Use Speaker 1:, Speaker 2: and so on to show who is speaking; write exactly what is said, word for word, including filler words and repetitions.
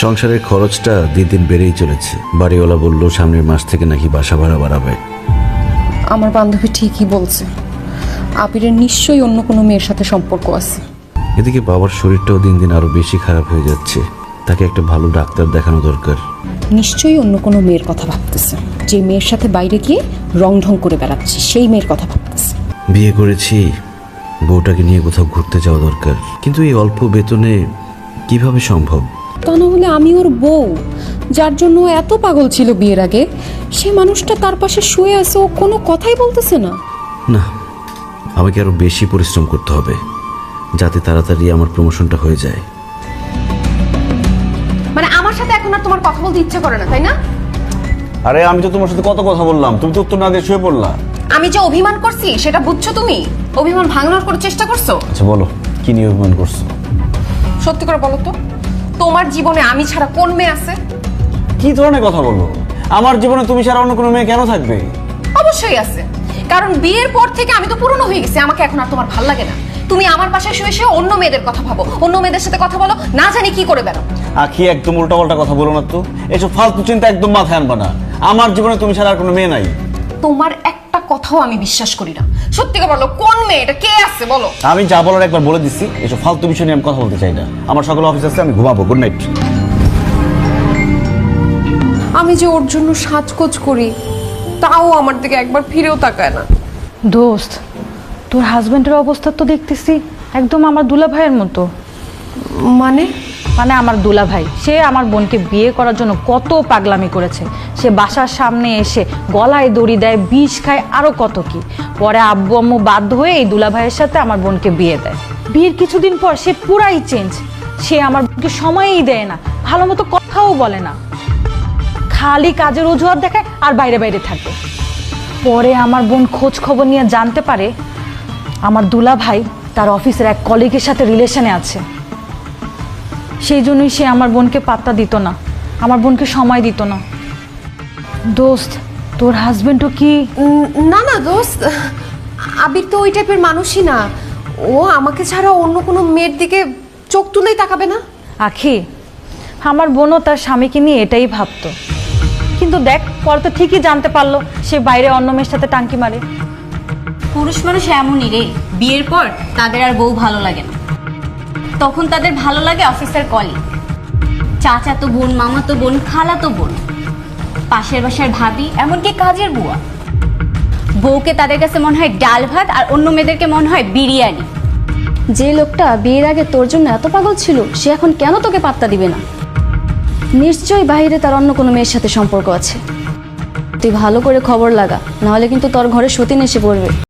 Speaker 1: সংসারের খরচটা দিন দিন বেড়েই চলেছে। বাড়িওয়ালা বলল সামনের মাস থেকে নাকি বাসা ভাড়া বাড়াবে।
Speaker 2: আমার বান্ধবী ঠিকই বলছে, আবিরের নিশ্চয়ই অন্য কোনো মেয়ের সাথে সম্পর্ক আছে।
Speaker 1: এদিকে বাবার শরীরটাও দিন দিন আরো বেশি খারাপ হয়ে যাচ্ছে, তাকে একটা ভালো ডাক্তার দেখানো দরকার।
Speaker 2: নিশ্চয়ই অন্য কোনো মেয়ের কথা ভাবতেছে, যে মেয়ের সাথে বাইরে গিয়ে রং ঢং করে বেড়াচ্ছে সেই মেয়ের কথা ভাবতেছে।
Speaker 1: বিয়ে করেছি, বউটাকে নিয়ে কোথাও ঘুরতে যাওয়া দরকার, কিন্তু এই অল্প বেতনে কিভাবে সম্ভব?
Speaker 2: তা না হলে আমি ওর বউ, যার জন্য ও এত পাগল ছিল বিয়ের আগে, সে মানুষটা তার পাশে শুয়ে আছে, ও কোনো কথাই বলতেছে না।
Speaker 1: না, আমাকে আরো বেশি পরিশ্রম করতে হবে যাতে তাড়াতাড়ি আমার প্রমোশনটা হয়ে যায়।
Speaker 2: মানে আমার সাথে এখন আর তোমার কথা বলতে ইচ্ছা করে না, তাই না?
Speaker 3: আরে আমি তো তোমার সাথে কত কথা বললাম, তুমি তো উত্তর না দিয়ে শুয়ে পড়লা।
Speaker 2: আমি যে অভিমান করছি সেটা বুঝছো তুমি? অভিমান ভাঙানোর করে চেষ্টা করছো?
Speaker 3: আচ্ছা বলো, কি নিয়ে অভিমান করছো?
Speaker 2: সত্যি করে বলো তো, তোমার জীবনে আমি ছাড়া কোন মেয়ে আছে?
Speaker 3: কি ধরনের কথা বলো? আমার জীবনে তুমি ছাড়া অন্য কোনো মেয়ে কেন থাকবে?
Speaker 2: অবশ্যই আছে, কারণ বিয়ের পর থেকে আমি তো পুরনো হয়ে গেছি, আমাকে এখন আর তোমার ভাল লাগে না। তুমি আমার পাশে শুয়ে শুয়ে অন্য মেয়েদের কথা ভাবো, অন্য মেয়েদের সাথে কথা বলো, না জানি কি করে বেরো।
Speaker 3: আখি একদম উল্টা পাল্টা কথা বলো না তো, এসব ফালতু চিন্তা একদম মাথায় আনবা না। আমার জীবনে তুমি ছাড়া আর কোনো মেয়ে নাই।
Speaker 2: তোমার একটা কথাও আমি বিশ্বাস করি না। সত্যি করে বলো, কোন মেয়ে এটা, কে আছে বলো?
Speaker 3: আমি যা বলার একবার বলে দিচ্ছি, এসব ফালতু বিষয় নিয়ে আমি কথা বলতে চাই না। আমার সকালে অফিস আছে, আমি ঘুমাবো। Good night.
Speaker 2: আমি যে ওর জন্য সাজগোজ করি, তাও আমার দিকে একবার ফিরেও তাকায় না।
Speaker 4: দোস্ত, তোর হাজবেন্ডের অবস্থা তো দেখতেছি একদম আমার দুলা ভাইয়ের মতো।
Speaker 2: মানে
Speaker 4: মানে আমার দুলা ভাই, সে আমার বোনকে বিয়ে করার জন্য কত পাগলামি করেছে। সে বাসার সামনে এসে গলায় দড়ি দেয়, বিষ খায়, আরো কত কি। পরে আব্বু আম্মু বাধ্য হয়ে এই দুলা ভাইয়ের সাথে আমার বোনকে বিয়ে দেয়। বিয়ের কিছুদিন পর সে পুরাই চেঞ্জ। সে আমার বোনকে সময়ই দেয় না, ভালো মতো কথাও বলে না, খালি কাজের অজুহাত দেখায় আর বাইরে বাইরে থাকে। পরে আমার বোন খোঁজ খবর নিয়ে জানতে পারে আমার দুলা ভাই তার অফিসের এক কলিগের সাথে রিলেশনে আছে। সেই জন্যই সে আমার বোনকে পাত্তা দিত না, আমার বোনকে সময় দিত না। দোস্ত, তোর হাজবেন্ডও কি?
Speaker 2: না না দোস্ত, আবির তো ওই টাইপের মানুষই না। ও আমাকে ছাড়া অন্য কোনো মেয়ের দিকে চোখ তুলেই তাকাবে না।
Speaker 4: আখি, আমার বোনও তার স্বামীকে নিয়ে এটাই ভাবতো, কিন্তু দেখ পরে তো ঠিকই জানতে পারলো সে বাইরে অন্য মেয়ের সাথে টাঙ্কি মারে।
Speaker 5: পুরুষ মানুষ এমনই রে, বিয়ের পর তাদের আর বউ ভালো লাগে না, তখন তাদের ভালো লাগে অফিসের কলিগ, চাচা তো বোন, মামা তো বোন, খালা তো বোন, পাশের বাসার ভাবি, এমনকি কাজের বুয়া। বউকে তাদের কাছে মনে হয় ডাল ভাত, আর অন্য মেয়েদেরকে মনে হয় বিরিয়ানি।
Speaker 6: যে লোকটা বিয়ের আগে তোর জন্য এত পাগল ছিল, সে এখন কেন তোকে পাত্তা দিবে না? নিশ্চয়ই বাইরে তার অন্য কোনো মেয়ের সাথে সম্পর্ক আছে। তুই ভালো করে খবর লাগা, নাহলে কিন্তু তোর ঘরে সতীন এসে পড়বে।